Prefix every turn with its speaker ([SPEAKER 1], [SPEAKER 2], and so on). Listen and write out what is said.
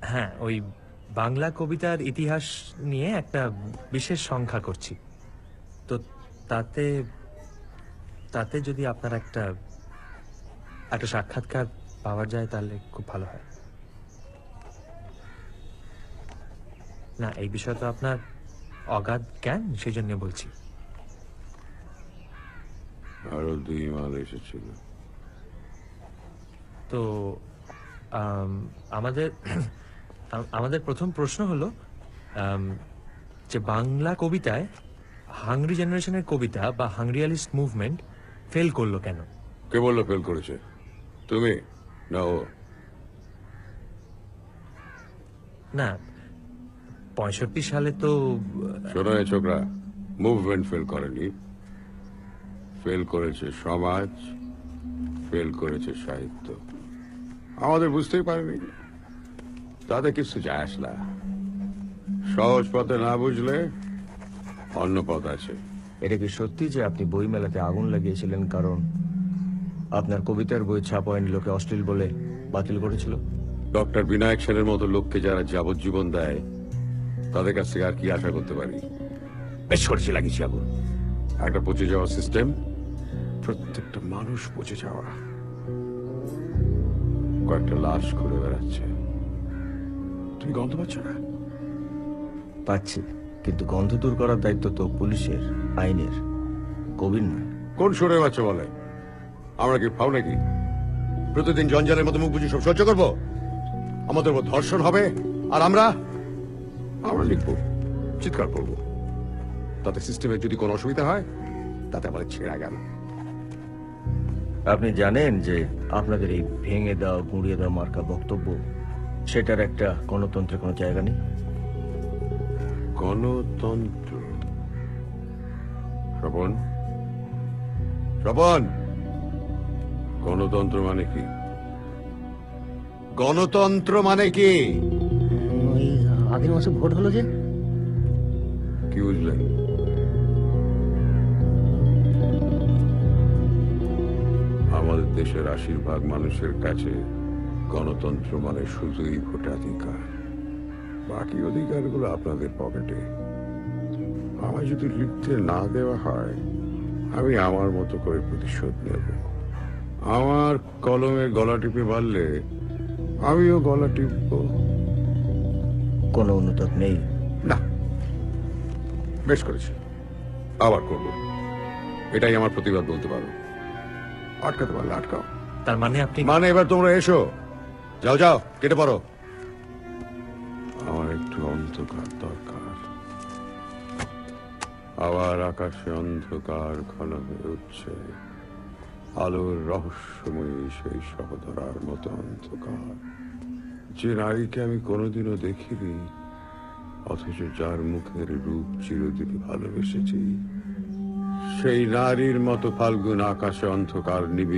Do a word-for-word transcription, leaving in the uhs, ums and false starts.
[SPEAKER 1] হ্যাঁ, ওই বাংলা কবিতার ইতিহাস নিয়ে একটা বিশেষ সংখ্যা করছি। তো তাতে তাতে যদি আপনার একটা একটা সাক্ষাৎকার পাওয়া যায় তাহলে খুব ভালো হয়। না, এই বিষয়ে তো আপনার অগাধ জ্ঞান, সেই জন্য বলছি।
[SPEAKER 2] আরো দুই মাল এসেছিল।
[SPEAKER 1] তো আম, আমাদের আম- আমাদের প্রথম প্রশ্ন হলো আম, যে বাংলা কবিতায় হাংরি জেনারেশনের কবিতা বা হাংরিয়ালিস্ট মুভমেন্ট ফেল করলো কেন?
[SPEAKER 2] কে বললো ফেল করেছে? তুমি না ও?
[SPEAKER 1] না, পঁয়ষট্টি সালে তো
[SPEAKER 2] শোনো এ ছোকরা, মুভমেন্ট ফেল করেনি, ফেল করেছে সমাজ, ফেল করেছে সাহিত্য। আমাদের বুঝতেই পারেনি, তাতে কিছু যায় আসে না। সহজ পথে না বুঝলে অন্য পথ আছে।
[SPEAKER 3] এটা কি সত্যি যে আপনি বই মেলাতে আগুন লাগিয়েছিলেন কারণ আপনার কবিতার বই ছাপা হয়নি, লোকে অশ্লীল বলে বাতিল করেছিল?
[SPEAKER 2] ডক্টর বিনায়ক সেনের মতো লোককে যারা যাবজ্জীবন দেয়, তাদের কাছ থেকে আর কি আশা করতে পারি? বেশ করেছি লাগিয়েছি আগুন। একটা পচে যাওয়া সিস্টেম, প্রত্যেকটা মানুষ পচে যাওয়া, কয়েকটা লাশ ঘুরে বেড়াচ্ছে। তুমি গন্ধ পাচ্ছ না?
[SPEAKER 3] পাচ্ছি, কিন্তু গন্ধ দূর করার দায়িত্ব তো পুলিশের, আইনের, কবির নয়।
[SPEAKER 2] কোন সুরে বাচ্চা বলে? আমরা কি ফাও নাকি? প্রতিদিন জঞ্জালের মতো মুখ বুঝি সব সহ্য করবো? আমাদের উপর ধর্ষণ হবে আর আমরা আমরা লিখবো, চিৎকার করবো। তাতে সিস্টেমের যদি কোনো অসুবিধা হয়, তাতে আমাদের ছেঁড়া গেল।
[SPEAKER 3] আপনি জানেন যে আপনাদের এই ভেঙে দাও গুঁড়িয়ে দাও মার্কা বক্তব্য, সেটার একটা গণতন্ত্রের কোনো জায়গা নেই।
[SPEAKER 2] গণতন্ত্র? স্বপন, স্বপন, গণতন্ত্র মানে কি? গণতন্ত্র মানে কি?
[SPEAKER 4] ওই আগের মাসে ভোট হলো যে,
[SPEAKER 2] কি বুঝলেন? আমাদের দেশের আশির ভাগ মানুষের কাছে গণতন্ত্র মানে শুধুই ভোটাধিকার। বাকি অধিকারগুলো আপনাদের পকেটে। আমায় যদি লিখতে না দেওয়া হয়, আমি আমার মতো করে প্রতিশোধ নেব। আমার কলমে গলা টিপে মারলে আমিও গলা টিপব।
[SPEAKER 3] কোনো অনুতাপ নেই।
[SPEAKER 2] না, বেশ করেছি, আবার করব। এটাই আমার প্রতিবাদ বলতে পারো। আটকাতে পারলে আটকাও।
[SPEAKER 1] তার মানে আপনি
[SPEAKER 2] মানে এবার তোমরা এসো, যাও যাও, কেটে পড়ো। আমার একটু অন্ধকার দরকার। আবার আকাশে অন্ধকার ঘন হয়ে উঠছে, আলোর রহস্যময়ী সেই সহধরার মতো অন্ধকার, যে নারীকে আমি কোনোদিনও দেখিনি, অথচ যার মুখের রূপ চিরদিন ভালোবেসেছি। সেই নারীর মতো ফাল্গুন আকাশে অন্ধকার নিবি